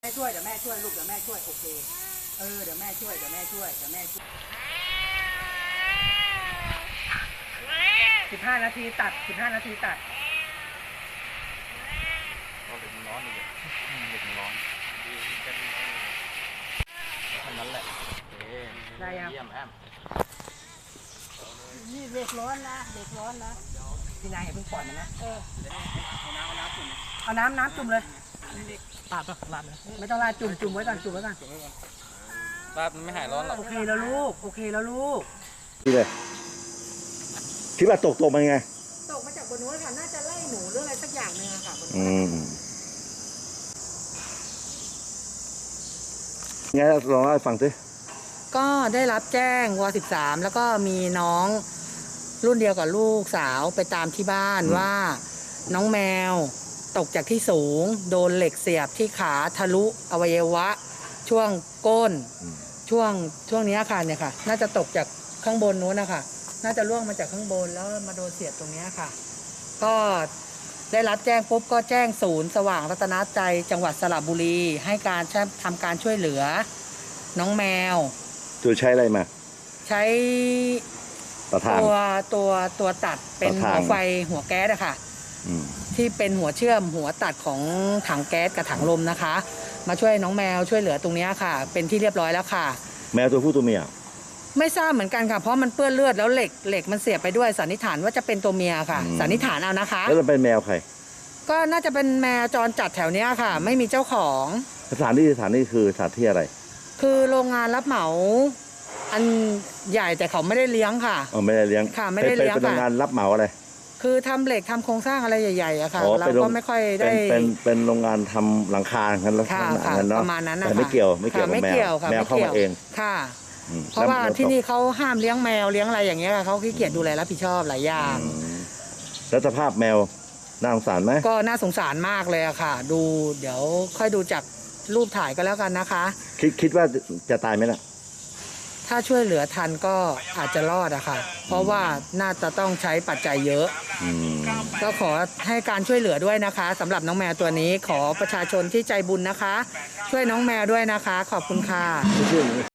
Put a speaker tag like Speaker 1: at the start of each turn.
Speaker 1: แม่ช่วยเดี๋ยวแม่ช่วยลูกเดี๋ยวแม่ช่วยโอเคเดี๋ยวแม่ช่วย15 นาทีตัด15 นาทีตัด
Speaker 2: เด็กมันร้อนอีกเด็กมันร้อนเท่านั้นแหละ
Speaker 1: ได้ยัง
Speaker 2: เยี่ยมแอม
Speaker 1: นี่เด็กร้อนนะพี่นายอย่าเพิ่งปล่อยมันนะเอาน้ำจุ่มเลยราดเลยไม่ต้องราดจุ่มไว้ก่อน
Speaker 2: ราดมันไม่หายร้อนหรอก
Speaker 1: โอเคแล้วลูก
Speaker 3: นี่เลยคิดว่าตกมันไง
Speaker 1: ตกมาจากบนนู้นค่ะน่าจะไล่หนูหรืออะไรสักอย่างนึงอะค่ะบนนู้
Speaker 3: นไงลองเล่าให้ฟังสิ
Speaker 1: ก็ได้รับแจ้งว13แล้วก็มีน้องรุ่นเดียวกับลูกสาวไปตามที่บ้านว่าน้องแมวตกจากที่สูงโดนเหล็กเสียบที่ขาทะลุอวัยวะช่วงก้นช่วงนี้ค่ะเนี่ยค่ะน่าจะตกจากข้างบนนู้นนะคะน่าจะล่วงมาจากข้างบนแล้วมาโดนเสียบตรงนี้ค่ะก็ได้รับแจ้งปุ๊บก็แจ้งศูนย์สว่างรัตนใจจังหวัดสระบุรีให้การทำการช่วยเหลือน้องแมว
Speaker 3: ใช้อะไรมา
Speaker 1: ใช้ตัวตัดเป็นหัวไฟหัวแก๊สอะค่ะที่เป็นหัวเชื่อมหัวตัดของถังแก๊สกับถังลมนะคะมาช่วยน้องแมวช่วยเหลือตรงนี้ค่ะเป็นที่เรียบร้อยแล้วค่ะ
Speaker 3: แมวตัวผู้ตัวเมีย
Speaker 1: ไม่ทราบเหมือนกันค่ะเพราะมันเปื้อนเลือดแล้วเหล็กมันเสียบไปด้วยสันนิษฐานว่าจะเป็นตัวเมียค่ะสันนิษฐานเอานะคะ
Speaker 3: แล้วจะเป็นแมวใคร
Speaker 1: ก็น่าจะเป็นแมวจรจัดแถวนี้ค่ะไม่มีเจ้าของ
Speaker 3: สถานที่คือสถานที่อะไร
Speaker 1: คือโรงงานรับเหมาอันใหญ่แต่เขาไม่ได้เลี้ยงค่ะ
Speaker 3: ไม่ได้เลี้ยง
Speaker 1: ค่ะไม่ได้เลี้ยงค่ะ
Speaker 3: เป็นโรงงานรับเหมาอะไร
Speaker 1: คือทำเหล็กทำโครงสร้างอะไรใหญ่ๆอะค่ะเราก็ไม่ค่อยได้
Speaker 3: เป็นโรงงานทำหลังคากันแล้ว
Speaker 1: ประมาณนั้นนะ
Speaker 3: แต่ไม่เกี่ยวกับแมวเข้ามาเอง
Speaker 1: ค่ะเพราะว่าที่นี่เขาห้ามเลี้ยงแมวเลี้ยงอะไรอย่างเงี้ยเขาขี้เกียจดูแลรับผิดชอบหลายอย่าง
Speaker 3: แล้วสภาพแมวน่าสงสารไหม
Speaker 1: ก็น่าสงสารมากเลยอะค่ะดูเดี๋ยวค่อยดูจากรูปถ่ายก็แล้วกันนะคะ
Speaker 3: คิดว่าจะตายไหมล่ะ
Speaker 1: ถ้าช่วยเหลือทันก็อาจจะรอดอะค่ะเพราะว่าน่าจะต้องใช้ปัจจัยเยอะก็ขอให้การช่วยเหลือด้วยนะคะสำหรับน้องแมวตัวนี้ขอประชาชนที่ใจบุญนะคะช่วยน้องแมวด้วยนะคะขอบคุณค่ะ